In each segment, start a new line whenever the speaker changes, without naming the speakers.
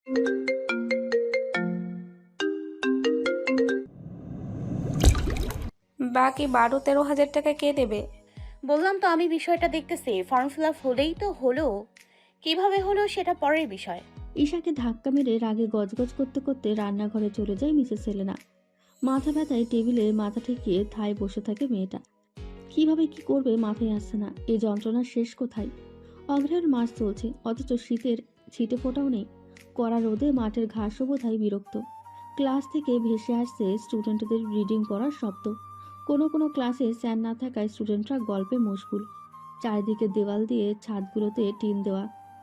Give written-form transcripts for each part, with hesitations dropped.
বাকি 12-13 হাজার টাকা কে দেবে?
বললাম তো আমি বিষয়টা দেখতেছি। ফর্ম ফিল আপ হলেই তো হলো, কিভাবে হলো সেটা পরের বিষয়।
ঈশাকে ধাক্কা মেরে রাগে গজগজ করতে করতে রান্নাঘরে চলে যায় মিসেস সেলেনা। মাথা ব্যথায় টেবিলে মাথা ঠেকিয়ে ঠায় বসে থাকে মেয়েটা। কিভাবে কি করবে মাথায় আসছে না। এই যন্ত্রণার শেষ কোথায়? অগ্রহায়ণ মাস চলছে, অথচ শীতের ছিটে ফোটাও নেই। কড়া রোদে মাঠের ঘাসও বোধহয় বিরক্ত। ক্লাস থেকে ভেসে আসছে স্টুডেন্টদের রিডিং পড়ার শব্দ। কোনো কোনো ক্লাসে স্যার না থাকায় স্টুডেন্টরা গল্পে মশগুল। চারিদিকে দেওয়াল দিয়ে ছাদগুলোতে টিন দেওয়া।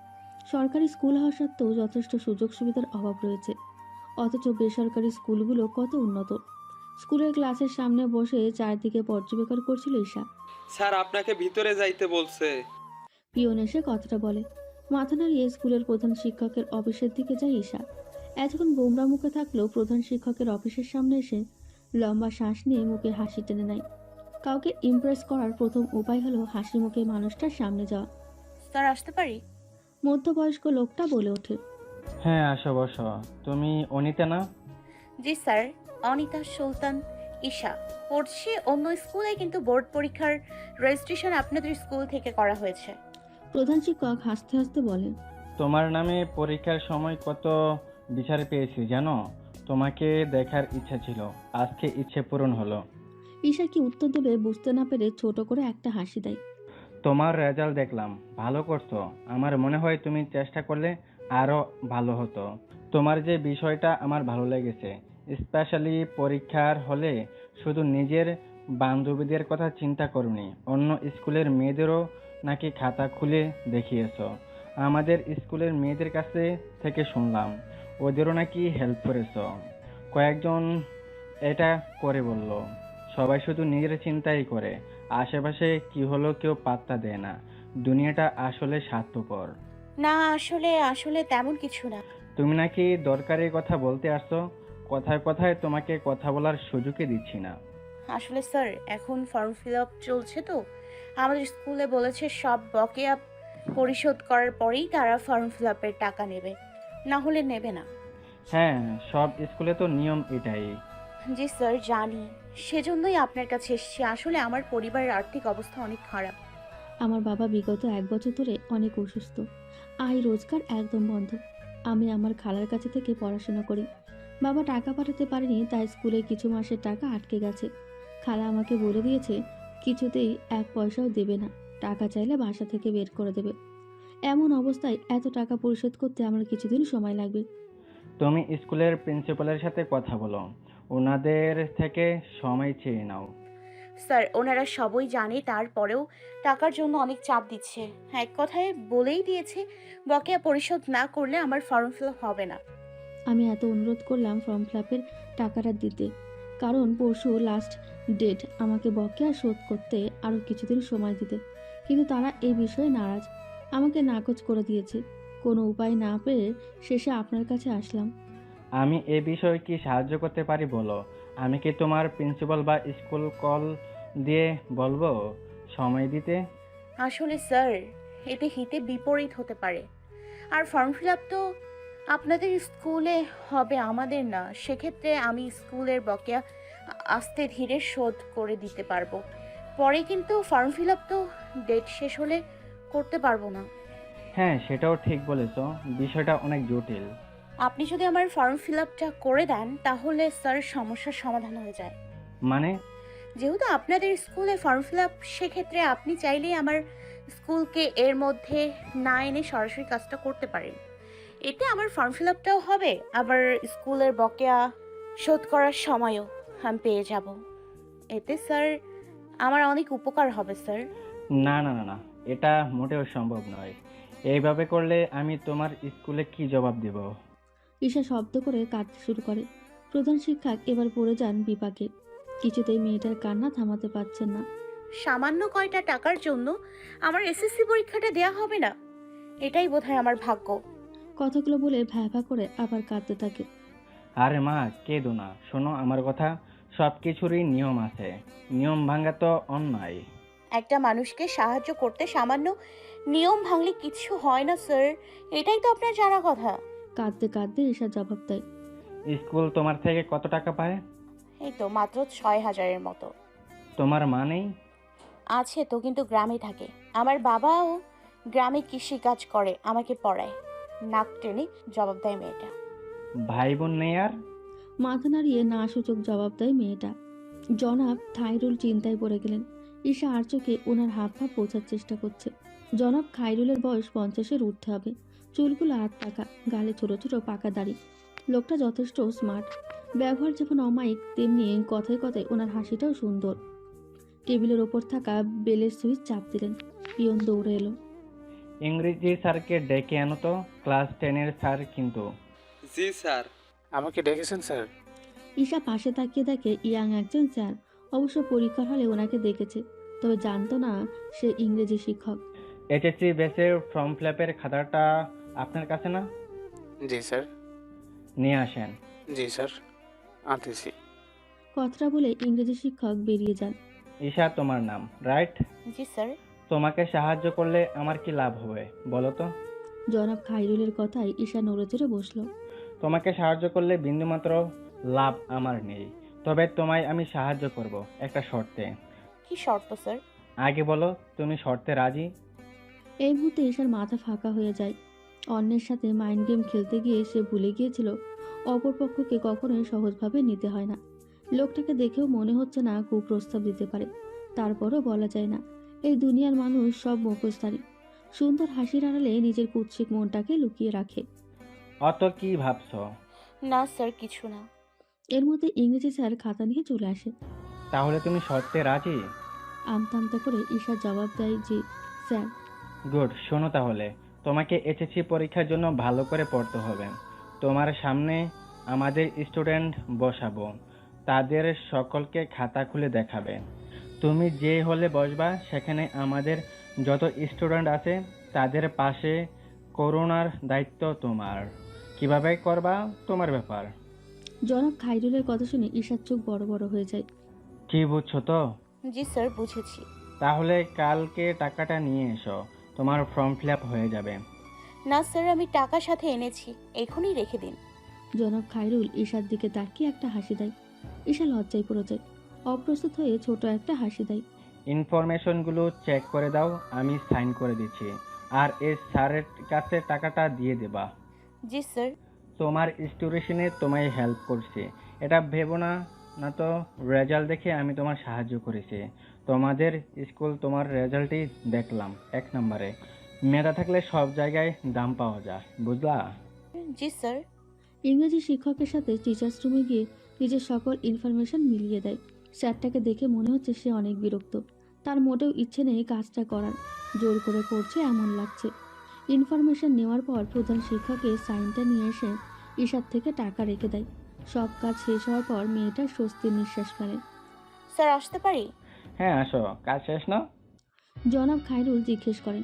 সরকারি স্কুল হওয়া সত্ত্বেও যথেষ্ট সুযোগ সুবিধার অভাব রয়েছে, অথচ বেসরকারি স্কুলগুলো কত উন্নত। স্কুলের ক্লাসের সামনে বসে চারদিকে পর্যবেক্ষণ করছিল ঈশা।
স্যার আপনাকে ভিতরে যাইতে বলছে।
পিয়ন এসে কথাটা বলে। মাথা নাড়িয়ে স্কুলের প্রধান শিক্ষকের অফিসের দিকে যায় ঈশা। এতক্ষণ গোমরা মুখে থাকলেও প্রধান শিক্ষকের অফিসের সামনে এসে লম্বা শ্বাস নিয়ে মুখে হাসি টেনে নেয়। কাউকে ইমপ্রেস করার প্রথম উপায় হলো হাসি মুখে মানুষটার সামনে যাওয়া।
স্যার আসতে পারি?
মধ্যবয়স্ক লোকটা বলে ওঠে।
হ্যাঁ আসো বসো। তুমি অনিতা না?
জি স্যার, অনিতা সুলতান ঈশা। পড়ছি অন্য স্কুলে, কিন্তু বোর্ড পরীক্ষার রেজিস্ট্রেশন আপনাদের স্কুল থেকে করা হয়েছে।
প্রধান শিক্ষক হাসতে হাসতে বলে।
তোমার নামে পরীক্ষার সময় কত বিচার পেয়েছি জানো? তোমাকে দেখার ইচ্ছা ছিল, আজকে ইচ্ছে পূরণ হলো।
ঈশা কি উত্তর দেবে বুঝতে না পেরে ছোট করে একটা হাসি দেয়।
তোমার রেজাল্ট দেখলাম, ভালো করছো। আমার মনে হয় তুমি চেষ্টা করলে আরো ভালো হতো। তোমার যে বিষয়টা আমার ভালো লেগেছে, স্পেশালি পরীক্ষার হলে শুধু নিজের বান্ধবীদের কথা চিন্তা করনি, অন্য স্কুলের মেয়েদেরও নাকি খাতা খুলে দেখিয়েছো। আমাদের স্কুলের মেয়েদের কাছে থেকে শুনলাম ওদেরও নাকি হেল্প করেছো। কয়েকজন এটা করে বলল। সবাই শুধু নিজের চিন্তাই করে, আশেপাশে কি হলো কেউ পাত্তা দেয় না। দুনিয়াটা আসলে স্বার্থপর।
না, আসলে আসলে তেমন কিছু না।
তুমি নাকি দরকারি কথা বলতে আসছো, কথায় কথায় তোমাকে কথা বলার সুযোগই দিচ্ছি না।
আসলে স্যার এখন ফর্ম ফিল আপ চলছে তো, আমাদের স্কুলে বলেছে সব বকেয়া পরিশোধ করার পরেই তারা ফর্ম ফিল আপের টাকা নেবে, না হলে নেবে না।
হ্যাঁ, সব স্কুলে তো নিয়ম এটাই।
জি স্যার জানি, সেজন্যই আপনার কাছে এসেছি। আসলে আমার পরিবারের আর্থিক অবস্থা অনেক খারাপ।
আমার বাবা বিগত 1 বছর ধরে অনেক অসুস্থ। আয় রোজগার একদম বন্ধ। আমি আমার খালার কাছে থেকে পড়াশোনা করি। বাবা টাকা পাঠাতে পারেনি, তাই স্কুলে কিছু মাসের টাকা আটকে গেছে। খালা আমাকে বলে দিয়েছে কিছুতেই 1 পয়সাও দেবে না, টাকা চাইলে বাসা থেকে বের করে দেবে। এমন অবস্থায় এত টাকা পরিশোধ করতে আমার কিছুদিন সময় লাগবে।
তুমি স্কুলের প্রিন্সিপালের সাথে কথা বলো, ওনাদের থেকে সময় চেয়ে নাও।
স্যার ওনারা সবই জানে, তারপরেও টাকার জন্য অনেক চাপ দিচ্ছে। এক কথায় বলেই দিয়েছে বকেয়া পরিশোধ না করলে আমার ফর্ম ফিল আপ হবে না।
আমি এত অনুরোধ করলাম ফর্ম ফিল টাকাটা দিতে, কারণ পরশু লাস্ট ডেট, আমাকে বকেয়া শোধ করতে আরও কিছুদিন সময় দিতে। কিন্তু তারা এই বিষয়ে নারাজ, আমাকে নাকচ করে দিয়েছে। কোনো উপায় না পেয়ে শেষে আপনার কাছে আসলাম।
আমি এ বিষয়ে কি সাহায্য করতে পারি বলো? আমি কি তোমার প্রিন্সিপাল বা স্কুল কল দিয়ে বলবো সময় দিতে?
আসলে স্যার এতে হিতে বিপরীত হতে পারে। আর ফর্ম ফিল আপ তো আপনাদের স্কুলে হবে, আমাদের না। সেক্ষেত্রে আমি স্কুলের বকেয়া আস্তে ধীরে শোধ করে দিতে পারবো। পরে কিন্তু ফর্ম ফিল আপ তো ডেট শেষ হলে করতে পারবো না।
হ্যাঁ, সেটাও ঠিক বলেছো, বিষয়টা অনেক জটিল।
আপনি যদি আমার ফর্ম ফিল আপটা করে দেন তাহলে স্যার সমস্যার সমাধান হয়ে যায়।
মানে?
যেহেতু আপনাদের স্কুলে ফর্ম ফিল আপ, সেক্ষেত্রে আপনি চাইলেই আমার স্কুলকে এর মধ্যে না এনে সরাসরি কাজটা করতে পারেন। এতে আমার ফর্ম ফিল আপটাও হবে, আবার স্কুলের বকেয়া শোধ করার সময়ও আমি পেয়ে যাব। এতে স্যার আমার অনেক উপকার হবে স্যার।
না না না না, এটা মোটেও সম্ভব নয়। এইভাবে করলে আমি তোমার স্কুলে কি জবাব দেব?
ঈশা শব্দ করে কাঁদতে শুরু করে। প্রধান শিক্ষক এবার পড়ে যান বিপাকে। কিছুতেই মেয়েটার কান্না থামাতে পারছেন না।
সামান্য কয়টা টাকার জন্য আমার এসএসসি পরীক্ষাটা দেয়া হবে না, এটাই বোধহয় আমার ভাগ্য।
কথাগুলো বলে ভ্যা করে আবার কাঁদতে থাকে।
আরে মা, কেঁদো না, শোনো আমার কথা। সবকিছুরই নিয়ম আছে, নিয়ম ভাঙা তো অন্যায়।
একটা মানুষকে সাহায্য করতে সামান্য নিয়ম ভাঙলে কিছু হয় না স্যার, এটাই তো আপনার জানা কথা।
কাঁদতে কাঁদতে ঈশা জবাব দেয়।
স্কুল তোমার থেকে কত টাকা পায়?
এই তো মাত্র 6,000-এর মতো।
তোমার মা নেই?
আছে তো, কিন্তু গ্রামে থাকে। আমার বাবাও গ্রামে কৃষিকাজ করে, আমাকে পড়ায়। নাক টেনে জবাব দেয় মেয়েটা।
ভাই বোন নেই আর?
মাথা নাড়িয়ে না সূচক জবাব দেয় মেয়েটা। জনাব খাইরুল চিন্তায় পড়ে গেলেন। ঈশা আর চোখে ওনার হাব ভাব বোঝার চেষ্টা করছে। জনাব খাইরুলের বয়স 50-এর উঠতে হবে। চুলগুলো আট পাকা, গালে ছোট ছোট পাকা দাড়ি। লোকটা যথেষ্ট স্মার্ট। ব্যবহার যেমন অমায়িক, তেমনি কথায় কথায় ওনার হাসিটাও সুন্দর। টেবিলের ওপর থাকা বেলের সুইচ চাপ দিলেন। পিয়ন দৌড়ে এলো।
ইংরেজি স্যারকে ডেকে আনো তো, ক্লাস 10-এর স্যার কিন্তু।
জি স্যার।
আমাকে ডেকেছেন স্যার?
ঈশা পাশে তাকিয়ে দেখে ইয়াং একজন স্যার। অবশ্য পরীক্ষার হলে ওনাকে দেখেছে, তবে জানতো না সে ইংরেজি শিক্ষক।
এইচএসসি বেসের ফর্ম ফিল-আপের খাতাটা আপনার কাছে না?
জি স্যার।
নিয়ে আসেন।
জি স্যার, আনতেছি।
কথাটা বলে ইংরেজি শিক্ষক বেরিয়ে যান।
ঈশা তোমার নাম, রাইট?
জি স্যার।
তোমাকে সাহায্য করলে আমার কি লাভ হবে বলো তো?
জনাব খাইরুলের কথায় ঈশা নড়ে চড়ে বসলো।
তোমাকে সাহায্য করলে বিন্দুমাত্র লাভ আমার নেই, তবে তোমায় আমি সাহায্য করব একটা শর্তে।
কি শর্ত স্যার?
আগে বলো, তুমি শর্তে রাজি?
এই মুহূর্তে ঈশার মাথা ফাঁকা হয়ে যায়। অন্যের সাথে মাইন্ড গেম খেলতে গিয়ে সে ভুলে গিয়েছিল অপরপক্ষকে কখনোই সহজভাবে নিতে হয় না। লোকটাকে দেখেও মনে হচ্ছে না কুপ্রস্তাব দিতে পারে, তারপরও বলা যায় না। এই দুনিয়ার মানুষ সব মুখোশধারী। সুন্দর হাসির আড়ালে নিজের কুৎসিক মনটাকে লুকিয়ে রাখে।
অত কি ভাবছো?
না স্যার, কিছু না।
এর মধ্যে ইংরেজি স্যার খাতা নিয়ে চলে আসে।
তাহলে তুমি শর্তে রাজি?
আমতা আমতা করে ঈশা জবাব দেয়, যে স্যার।
গুড, শোনো তাহলে, তোমাকে এইচএসসি পরীক্ষার জন্য ভালো করে পড়তে হবে। তোমার সামনে আমাদের স্টুডেন্ট বসাবো, তাদের সকলকে খাতা খুলে দেখাবে। তুমি যে হলে বসবা সেখানে আমাদের যত স্টুডেন্ট আছে তাদের পাশে করোনার দায়িত্ব তোমার। কিভাবে করবা তোমার ব্যাপার।
জনাব খাইরুলের কথা শুনে ঈশার চোখ বড় বড় হয়ে যায়।
কি বুঝছো তো?
জি স্যার, বুঝেছি।
তাহলে কালকে টাকাটা নিয়ে এসো, তোমার ফর্ম ফিল আপ হয়ে যাবে।
না স্যার, আমি টাকা সাথে এনেছি, এখনই রেখে দিন।
জনাব খাইরুল ঈশার দিকে তাকিয়ে একটা হাসি দেয়। ঈশা লজ্জায় পড়ে যায়। অপ্রস্তুত হয়ে ছোট একটা হাসি দেয়।
ইনফরমেশনগুলো চেক করে দাও, আমি সাইন করে দিচ্ছি। আর এই স্যারের কাছে টাকাটা দিয়ে দেবা।
জি স্যার।
তোমার স্টুডেশনে তোমায় হেল্প করছে, এটা ভেবো না। না তো রেজাল্ট দেখে আমি তোমার সাহায্য করেছি। তোমাদের স্কুল তোমার রেজাল্টই দেখলাম 1 নম্বরে। মেধা থাকলে সব জায়গায় দাম পাওয়া যায়, বুঝলা?
জি স্যার।
ইংরেজি শিক্ষকের সাথে টিচার্স রুমে গিয়ে নিজের সকল ইনফরমেশন মিলিয়ে দেয়। স্যারটাকে দেখে মনে হচ্ছে সে অনেক বিরক্ত। তার মোটেও ইচ্ছে নেই কাজটা করার, জোর করে করছে এমন লাগছে। ইনফরমেশন নেওয়ার পর প্রধান শিক্ষকের সাইনটা নিয়ে এসে ঈশার থেকে টাকা রেখে দেয়। সব কাজ শেষ হওয়ার পর মেয়েটা স্বস্তির নিঃশ্বাস ফেলে।
স্যার, আসতে পারি?
হ্যাঁ আসো, কাজ শেষ না?
জনাব খাইরুল জিজ্ঞেস করেন।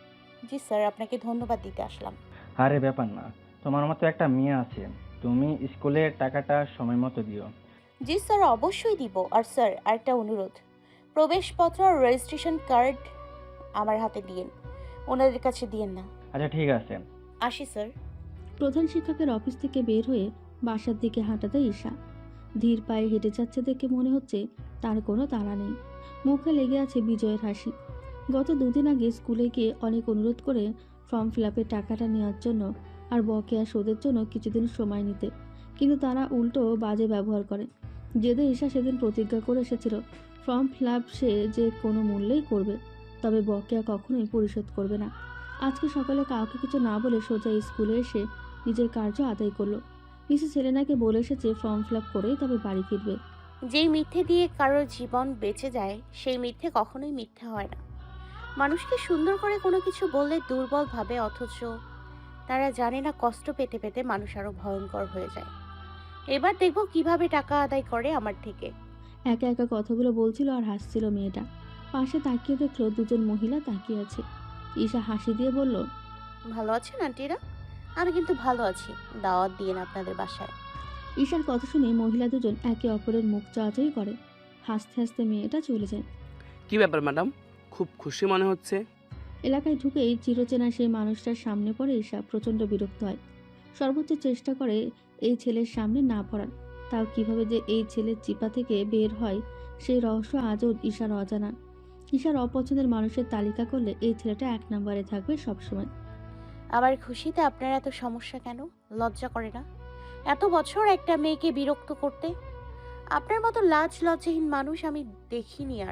জি স্যার, আপনাকে ধন্যবাদ দিতে আসলাম।
আরে ব্যাপার না, তোমার মতো একটা মেয়ে আছে, তুমি স্কুলে টাকাটা সময় মতো দিও।
জি স্যার, অবশ্যই দিব। আর স্যার, আরেকটা অনুরোধ, প্রবেশপত্র আর রেজিস্ট্রেশন কার্ড আমার হাতে দিয়েন, ওনাদের কাছে দিয়েন না।
আচ্ছা ঠিক আছে।
আসি স্যার।
প্রধান শিক্ষকের অফিস থেকে বের হয়ে বাসার দিকে হাঁটা দেয় ঈশা। ধীর পায়ে হেঁটে যাচ্ছে দেখে মনে হচ্ছে তার কোনো তাড়া নেই। মুখে লেগে আছে বিজয়ের হাসি। গত 2 দিন আগে স্কুলে গিয়ে অনেক অনুরোধ করে ফর্ম ফিল আপের টাকাটা নেওয়ার জন্য আর বকেয়া সুদের জন্য কিছুদিন সময় নিতে, কিন্তু তারা উল্টো বাজে ব্যবহার করে। জেদে ঈশা সেদিন প্রতিজ্ঞা করে এসেছিল ফর্ম ফিল আপ সে যে কোনো মূল্যেই করবে, তবে বকেয়া কখনোই পরিশোধ করবে না। আজকে সকালে কাউকে কিছু না বলে সোজা স্কুলে এসে নিজের কার্য আদায় করলো। মিসেস সেলেনাকে বলে এসেছে ফর্ম ফিল আপ করেই তবে বাড়ি ফিরবে।
যেই মিথ্যে দিয়ে কারোর জীবন বেঁচে যায়, সেই মিথ্যে কখনোই মিথ্যে হয় না। মানুষকে সুন্দর করে কোনো কিছু বললে দুর্বল ভাবে, অথচ তারা জানে না কষ্ট পেতে পেতে মানুষ আরো ভয়ঙ্কর হয়ে যায়। এবার দেখবো কিভাবে টাকা আদায় করে আমার থেকে।
একা একা কথাগুলো বলছিল আর হাসছিল মেয়েটা। পাশে তাকিয়ে দেখলো দুজন মহিলা তাকিয়ে আছে। ঈশা হাসি দিয়ে বলল,
ভালো আছেন আন্টিরা? আমি কিন্তু ভালো আছি, দাওয়াত দিয়েন আপনাদের বাসায়।
ঈশার কথা শুনে মহিলা দুজন একে অপরের মুখ চাওয়াচাই করে। হাসতে হাসতে মেয়েটা চলে যায়।
কি ব্যাপার ম্যাডাম, খুব খুশি মনে হচ্ছে।
এলাকায় ঢুকেই চিরচেনা সেই মানুষটার সামনে পড়ে ঈশা প্রচণ্ড বিরক্ত হয়। সর্বোচ্চ চেষ্টা করে এই ছেলের সামনে না পড়ার। তাও কিভাবে যে এই ছেলের চিপা থেকে বের হয় সেই রহস্য আজও ঈশার অজানা। ঈশার অপছন্দের মানুষের তালিকা করলে এই ছেলেটা 1 নম্বরে থাকবে সবসময়।
আমার খুশিতে আপনার এত সমস্যা কেন? লজ্জা করে না এত বছর একটা মেয়েকে বিরক্ত করতে? আপনার মতো লাজ লজ্জাহীন মানুষ আমি দেখিনি আর।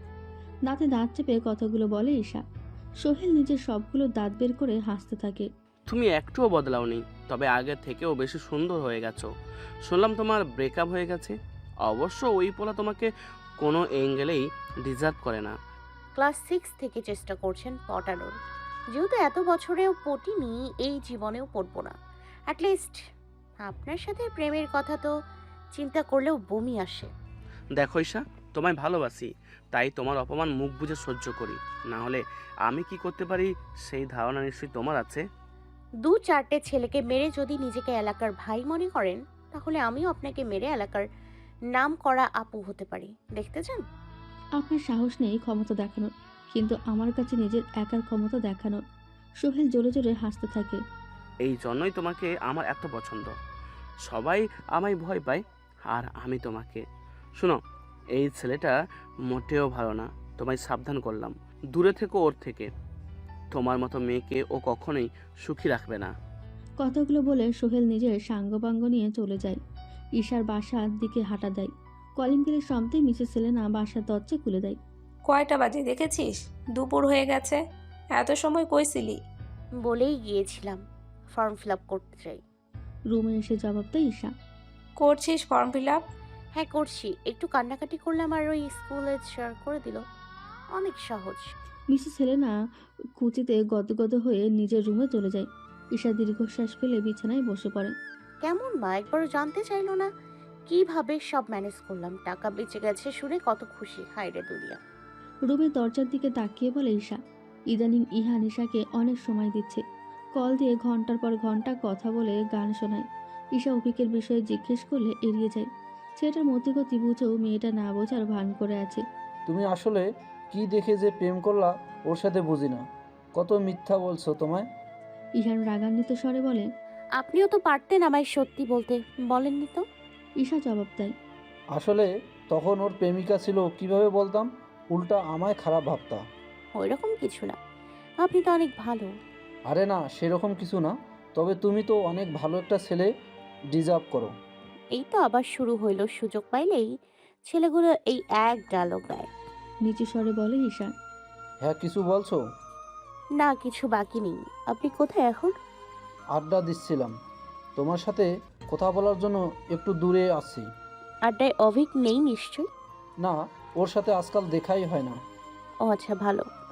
দাঁতে দাঁত চেপে কথাগুলো বলে ঈশা। সোহেল নিজের সবগুলো দাঁত বের করে হাসতে থাকে।
তুমি একটুও বদলাওনি, তবে আগের থেকেও বেশি সুন্দর হয়ে গেছো। শুনলাম তোমার ব্রেকআপ হয়ে গেছে। অবশ্য ওই পোলা তোমাকে কোনো অ্যাঙ্গেলেই ডিজার্ভ করে না।
ক্লাস 6 থেকে চেষ্টা করছেন পটানোর, যেহেতু এত বছরেও পটিনি, এই জীবনেও পড়বো না। অ্যাটলিস্ট আপনার সাথে প্রেমের কথা তো চিন্তা করলেও বমি আসে।
দেখো ঈশা, তোমায় ভালোবাসি, তাই তোমার অপমান মুখ বুজে সহ্য করি। না হলে আমি কি করতে পারি সেই ধারণা নিশ্চয়ই তোমার আছে।
2-4টে ছেলেকে মেরে যদি নিজেকে এলাকার ভাই মনে করেন, তাহলে আমিও আপনাকে মেরে এলাকার নাম করা আপু হতে পারি। দেখতে চান?
আপনার সাহস নেই ক্ষমতা দেখানোর, কিন্তু আমার কাছে নিজের একার ক্ষমতা দেখানোর। সোহেল জোরে জোরে হাসতে থাকে।
এই জন্যই তোমাকে আমার এত পছন্দ। সবাই আমায় ভয় পায়, আর আমি তোমাকে। শোনো, এই ছেলেটা মোটেও ভালো না, তোমায় সাবধান করলাম। দূরে থেকো ওর থেকে। তোমার মতো মেয়েকে ও কখনোই সুখী রাখবে না।
কথাগুলো বলে সোহেল নিজের সাঙ্গপাঙ্গ নিয়ে চলে যায়। ঈশার বাসার দিকে হাঁটা দেয়। কলিং বেলের শব্দে মিসেস সেলেনা বাসার দরজা খুলে দেয়।
কয়টা বাজে দেখেছিস? দুপুর হয়ে গেছে। এত সময় কই ছিলি?
বলেই গিয়েছিলাম ফর্ম ফিল আপ করতে চাই।
রুমে এসে জবাব দেয় ঈশা।
করছিস ফর্ম ফিল আপ?
হ্যাঁ করছি, একটু কান্নাকাটি করলাম আর ওই স্কুলে শেয়ার করে দিল। অনেক সহজ।
মিসেস সেলেনা কুচিতে গদগদ হয়ে নিজের রুমে চলে যায়। ঈশা দীর্ঘশ্বাস ফেলে বিছানায় বসে পড়ে।
কেমন মা একবারও জানতে চাইলো না কিভাবে সব ম্যানেজ করলাম? টাকা বেঁচে গেছে শুনে কত খুশি, হায় রে দুনিয়া।
রুমের দরজার দিকে তাকিয়ে বলে ঈশা। ইদানিং ইহান ঈশাকে অনেক সময় দিচ্ছে। কল দিয়ে ঘন্টার পর ঘন্টা কথা বলে গান শোনায়। ঈশা অভিকের বিষয়ে জিজ্ঞেস করলে এড়িয়ে যায়। ছেলেটার মতিগতি বুঝেও মেয়েটা না বোঝার ভান করে আছে।
তুমি আসলে কি দেখে যে প্রেম করলা ওর সাথে বুঝি না। কত মিথ্যা বলছো তোমায়।
ইহান রাগান্বিত স্বরে বলে।
আপনিও তো পারতেন আমায় সত্যি বলতে, বলেননি তো।
ঈশা জবাব দেয়।
আসলে তখন ওর প্রেমিকা ছিল, কিভাবে বলতাম? উল্টা আমায় খারাপ ভাবতা।
ওইরকম কিছু না, আপনি তো অনেক ভালো।
আরে না, সেরকম কিছু না। তবে তুমি তো অনেক ভালো একটা ছেলে ডিজার্ভ করো।
এই তো আবার শুরু হইল, সুযোগ পাইলেই ছেলেগুলো এই এক ডায়লগ দেয়।
নিচু স্বরে বলে ঈশা।
হ্যাঁ, কিছু বলছো?
না, কিছু বাকি নেই। আপনি কোথায় এখন?
আড্ডা দিচ্ছিলাম, তোমার সাথে কথা বলার জন্য একটু দূরে আসছি।
আড্ডায় অভিক নেই নিশ্চয়?
না, ওর সাথে আজকাল দেখাই হয় না।
ও আচ্ছা, ভালো।